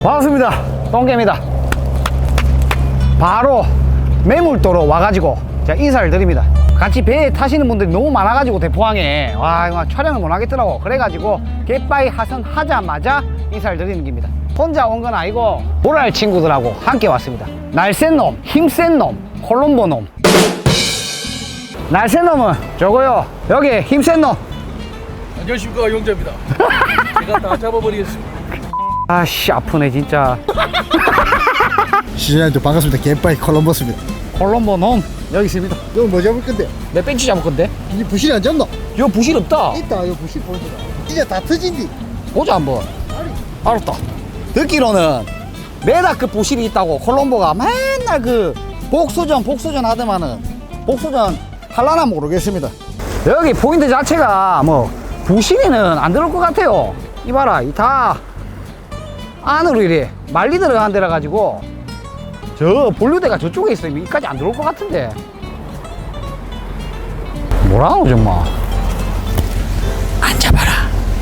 반갑습니다. 똥개입니다. 바로 매물도로 와가지고 제가 인사를 드립니다. 같이 배에 타시는 분들이 너무 많아가지고 대포항에 와 이거 촬영을 못 하겠더라고. 그래가지고 갯바위 하선하자마자 인사를 드리는 겁니다. 혼자 온 건 아니고 보랄 친구들하고 함께 왔습니다. 날쌘 놈, 힘센 놈, 콜롬보 놈. 날쌘 놈은 저거요. 여기 힘센 놈. 안녕하십니까, 용자입니다. 제가 다 잡아버리겠습니다. 아씨 아프네 진짜. 시청자님들 반갑습니다. 갯바위 콜럼버스입니다. 콜롬보 놈 여기 있습니다. 이거 뭐 잡을 건데? 내 벤치 잡을 건데. 이 부실이 안 잡나? 이거 부실 없다. 있다. 이거 부실 보여주라. 진짜 다 터진디. 보자 한번. 알았다. 듣기로는 메다급 부실이 있다고 콜롬보가 맨날 그 복수전 하더만은 복수전 할라나 모르겠습니다. 여기 포인트 자체가 뭐 부실이는 안 들어올 것 같아요. 이봐라 이 다 안으로 이래 말리 들어간 데라 가지고 저 본류대가 저쪽에 있어요. 여기까지 안 들어올 것 같은데 뭐라노 정말. 앉아봐라.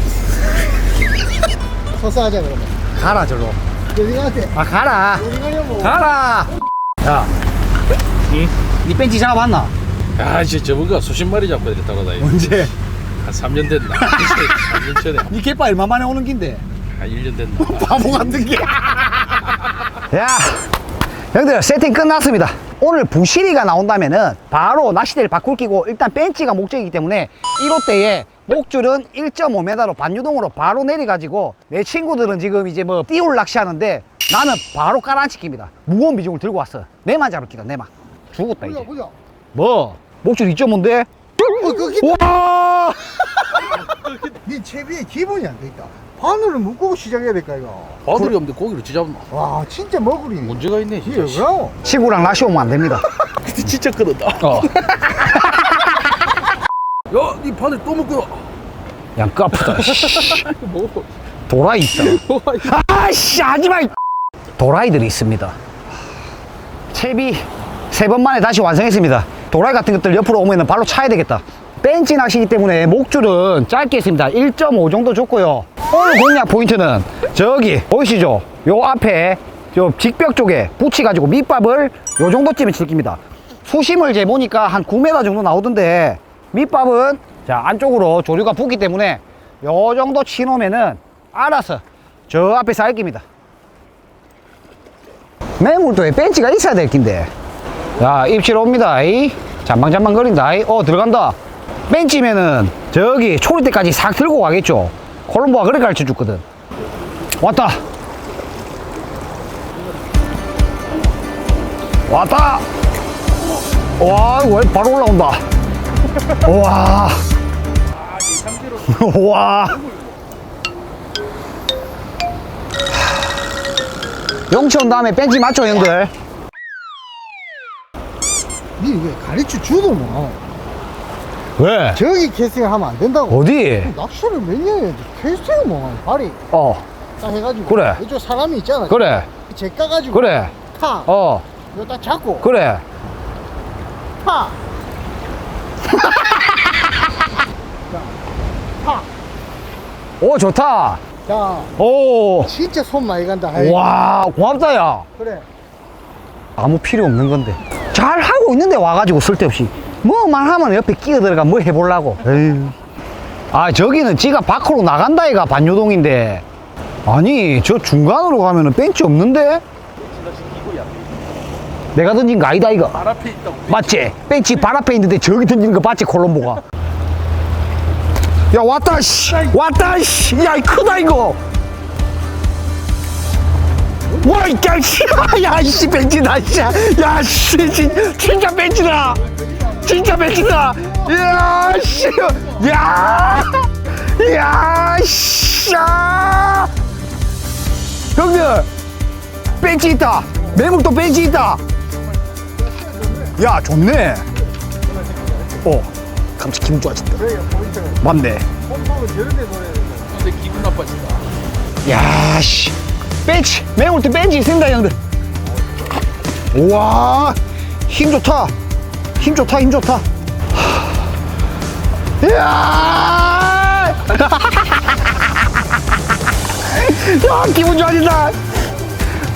서서 하자 그러면. 가라 절로. 어디 가한테? 아 가라. 어디 가냐고. 가라. 야, 니 벤치 잡아봤나? 아, 진짜 저번가 수십 마리 잡고 이렇게 따라다니고. 언제? 한 3년 됐나? 3년 전에. 니 갯바 얼마 만에 오는 긴데? 한 1년 됐나? 바보 같은 게. 야, 형들 세팅 끝났습니다. 오늘 부시리가 나온다면은 바로 낚시대를 바꿀 끼고 일단 벤치가 목적이기 때문에 1호대에 목줄은 1.5m로 반유동으로 바로 내려가지고 내 친구들은 지금 이제 뭐 띄울 낚시하는데 나는 바로 깔아앉힙니다. 무거운 비중을 들고 왔어. 내만 잡을 끼다 내만. 죽었다 이제. 보자. 뭐? 목줄 2.5인데? 끄기. 와! 네 채비에 기본이 안 돼 있다. 바늘을 묶고 시작해야 될까 이거. 바늘이 없는데 고기를 찢잡나? 와 진짜 먹으리네. 문제가 있네, 이게 진짜. 뭐야? 친구랑 낚시 오면 안 됩니다. 근데 진짜 끊었다. 어. 야, 니 바늘 또 묶어. 양 까프다. 씨. 뭐? 도라이 있다. 아씨 하지마. 도라이들이 있습니다. 채비 3번 만에 다시 완성했습니다. 도라이 같은 것들 옆으로 오면 발로 차야 되겠다. 벤치 낚시이기 때문에 목줄은 짧게 했습니다. 1.5 정도 줬고요. 오늘 공략 포인트는 저기 보이시죠? 요 앞에 요 직벽 쪽에 붙여가지고 밑밥을 요 정도쯤에 칠깁니다. 수심을 재보니까 한 9m 정도 나오던데 밑밥은 자 안쪽으로 조류가 붙기 때문에 요 정도 치놓으면은 알아서 저 앞에서 알깁니다. 매물도에 벤치가 있어야 될 낀데. 자 입질 옵니다. 이 잠방잠방 거린다. 이 들어간다. 벤치면은 저기 초리 때까지 싹 들고 가겠죠. 콜롬보가 그렇게 가르쳐 줬거든. 왔다. 왔다. 와 이거 바로 올라온다. 와. 와. 용치 온 다음에 벤치 맞죠 형들? 니 왜 가르쳐 주도 뭐. 왜? 저기 캐스팅하면 안 된다고. 어디? 낚시를 몇 년 해야지. 캐스팅을 뭐 발이 딱 해가지고. 그래. 이쪽 사람이 있잖아. 그래 제 까가지고. 그래 타. 이거 딱 잡고. 그래. 파. 자, 파. 오 좋다. 자, 오. 진짜 손 많이 간다. 아이. 와 고맙다 야. 그래. 아무 필요 없는 건데 잘 하고 있는데 와가지고 쓸데없이 뭐만 하면 옆에 끼어 들어가 뭐 해보려고. 에휴. 아 저기는 지가 밖으로 나간다 이가 반유동인데 아니 저 중간으로 가면은 벤치 없는데 내가 던진 거 아니다 이거. 발 앞에 있다고. 맞지? 벤치 발 앞에 있는데 저기 던지는 거 봤지 콜롬보가. 야 왔다 씨 왔다 씨야 크다 이거. 와 이 씨 야씨 벤치다 야씨 진짜 벤치다 진짜 벤치다. 야씨 형들 벤치 있다. 매물도 벤치 있다. 야 좋네. 감치 기분 좋아진다. 맞네. 근데 기분 나빠진다. 야씨 벤치 매물도 벤치 있습니다 형들. 우와 힘 좋다. 힘 좋다 힘 좋다. 이야 야 기분 좋아진다.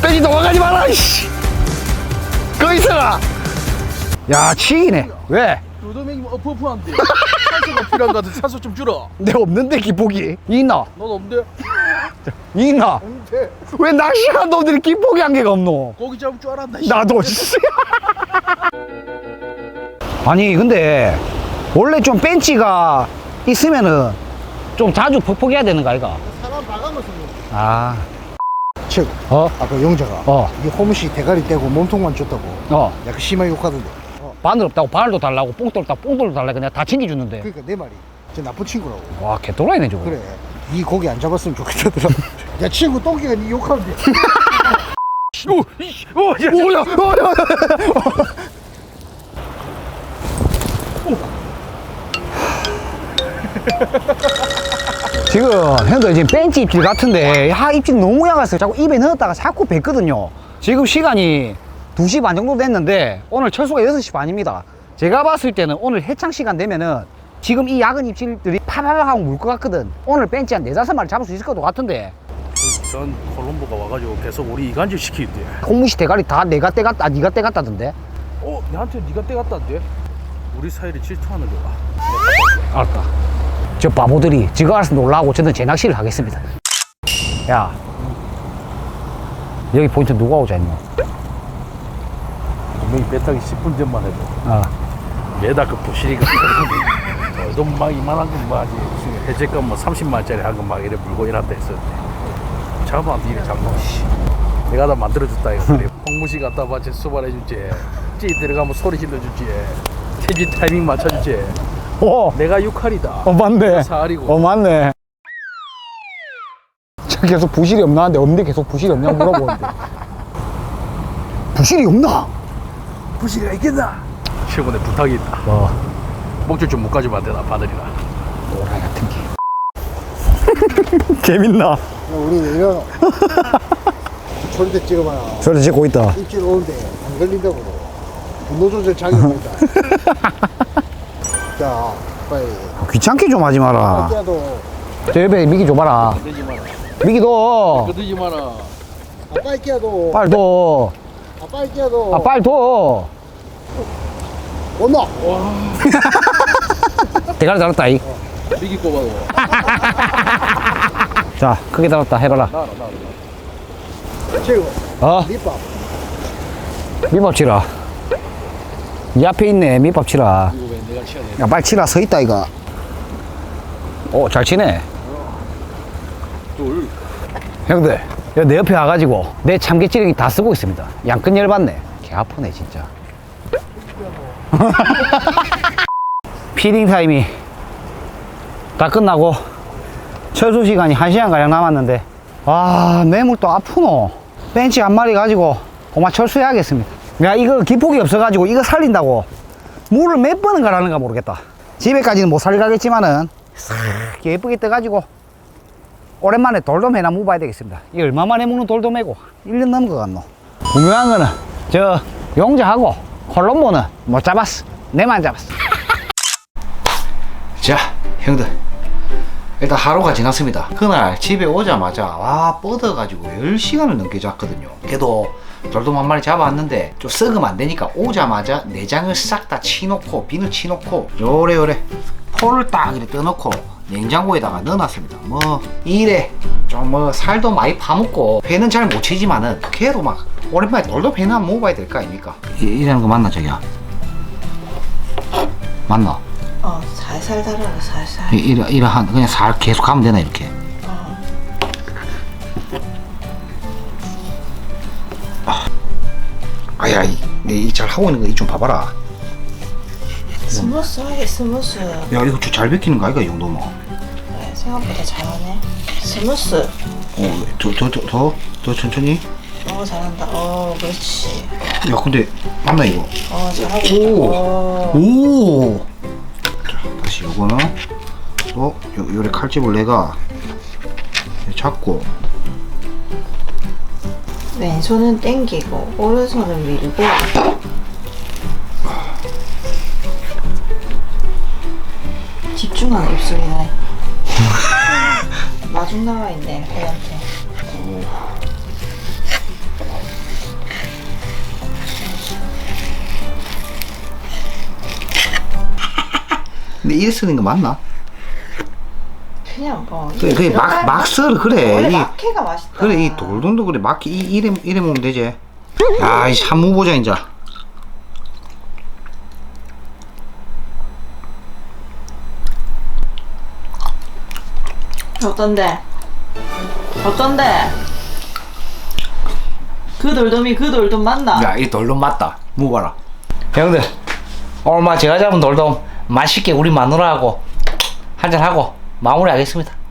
벤치 도망가지 마라 이씨. 거기 있어라. 야 치이네. 왜? 루도맹이 어프어프한데 산소가 필요한 거 같아. 산소 좀 줄어. 내 없는데 기폭이 있나? 넌 없는데? 있나? 근데 왜 낚시한 놈들이 기폭이 한 개가 없노? 고기 잡을 줄 알았나? 이 나도 씨. 아니 근데 원래 좀 벤치가 있으면은 좀 자주 퍽퍽해야 되는 거 아이가? 사람 봐가면서 아, 즉 어? 아까 영자가 어. 이 홈시 대가리 떼고 몸통만 줬다고 어. 약간 심하게 욕하던데. 바늘 없다고 바늘도 달라고 뽕돌 없다고 뽕돌도 달라고 내가 다 챙겨주는데. 그러니까 내 말이 저 나쁜 친구라고. 와 개또라이네 저거. 그래 이 고기 안 잡았으면 좋겠더라. 야 친구 똥기가 니 욕하는데. 뭐야? 지금 형들 지금 벤치 입질 같은데 입질 너무 약했어요. 자꾸 입에 넣었다가 자꾸 뱉거든요. 지금 시간이 2시 반 정도 됐는데 오늘 철수가 6시 반입니다. 제가 봤을 때는 오늘 해창 시간 되면은 지금 이 약은 입질들이 파바박 하고 물 것 같거든. 오늘 벤치 한 4-5마리 잡을 수 있을 것 같은데 전 콜롬보가 와가지고 계속 우리 이간질 시키는데. 콩무시 대가리 다 내가 떼갔다 니가 떼갔다던데. 나한테 네가 떼갔다는데? 우리 사이를 질투하는 거야. 알았다. 저 바보들이 지가 알아서 놀라고 저는 제 낚시를 하겠습니다. 야 여기 포인트 누가 오자 했노? 분명히 배 타기 10분 전만 해도 매달 그 부실이가 돈 막 이만한 거 하지. 해제값 뭐 30만원짜리 한 거 막 이래 물고 이란다 했었는데 잡아한테 이래 잡노. 내가 다 만들어줬다 이거. 그래. 홍무시 갖다 봐. 제 수발해주지. 찌 들어가면 소리 질러주지. 체지 타이밍 맞춰주지. 내가 6할이다. 맞네. 4할이고. 맞네. 저 계속 부실이 없나 하는데 없는데 계속 부실이 없냐고 물어보는데. 부실이 없나? 부실이가 있겠나? 최근에 부탁이 있다. 목줄 좀 묶어주면 안 되나 바늘이나. 오라이 같은 게. 재밌나? 야, 우리 이런 소리대 찍어봐라. 저를 찍고 있다. 입질 오는데 안 걸린다고. 분노 조절 장애가 있다. 자 빨리. 귀찮게 좀 하지 마라. 아까도 저 옆에 미기 줘봐라. 끄지 마라. 미기도 끄지 마라. 빨리 끼야도. 빨리 둬. 빨리 끼야도. 빨리 둬. 온나. 대가리 달았다 이. 미기 꼽아도. 자 크게 달았다 해봐라. 나라. 최고. 밑밥. 밑밥 치라. 이 앞에 있네 밑밥 치라. 이거 왜 내가 치야 돼? 야 빨리 치라 서있다 이거. 잘 치네. 둘. 형들 야, 내 옆에 와가지고 내 참깨찌르기 다 쓰고 있습니다. 양끝 열받네. 개 아프네 진짜. 피딩 타임이 다 끝나고 철수 시간이 1시간가량 남았는데 매물도 아프노. 벤치 한 마리 가지고 고마 철수해야겠습니다. 야 이거 기폭이 없어가지고 이거 살린다고 물을 몇 번은 가라는가 모르겠다. 집에까지는 못 살가겠지만은 싹 예쁘게 떠가지고 오랜만에 돌돔회나 먹어봐야 되겠습니다. 이 얼마 만에 먹는 돌돔회고 1년 넘은 것 같노. 분명한 거는 저 용자하고 콜롬보는 못 잡았어. 내만 잡았어. 자 형들 일단 하루가 지났습니다. 그날 집에 오자마자 뻗어가지고 10시간을 넘게 잤거든요. 그래도 돌돔 한 마리 잡아왔는데 좀 썩으면 안 되니까 오자마자 내장을 싹 다 치놓고 비늘 치놓고 요래 포를 딱 이렇게 떠놓고 냉장고에다가 넣어놨습니다. 이래 좀 살도 많이 파먹고 회는 잘 못 치지만은 걔도 막 오랜만에 돌돔 회는 한번 먹어봐야 될 거 아닙니까? 이러는 거 맞나 자기야? 맞나? 살살 달아라 살살. 이러한 그냥 살 계속 하면 되나 이렇게? 아야 이 잘 하고 있는 거 이 좀 봐봐라. 스무스하게 스무스. 야 이거 잘 벗기는 거 아이가 이 정도면? 그래, 생각보다 잘하네. 스무스. 더 천천히. 잘한다. 그렇지. 야 근데 맞나 이거? 잘하고. 오. 자 다시 요거는 요래 칼집을 내가 잡고 왼손은 당기고 오른손은 밀고. 집중하는 입술이네. 마중 나와 있네 회한테. 근데 이래 쓰는 거 맞나? 그냥 뭐. 그래, 그래, 막 썰어, 그래. 원래 이- 막회가 맛있다. 그래, 이 돌돔도 그래, 막, 이래 먹으면 되지. 야, 이 한무 보자, 이제. 어떤데? 어떤데? 그 돌돔이 그 돌돔 맞나? 야, 이 돌돔 맞다. 먹어봐라. 형들, 오늘 제가 잡은 돌돔 맛있게 우리 마누라하고 한잔하고 마무리하겠습니다.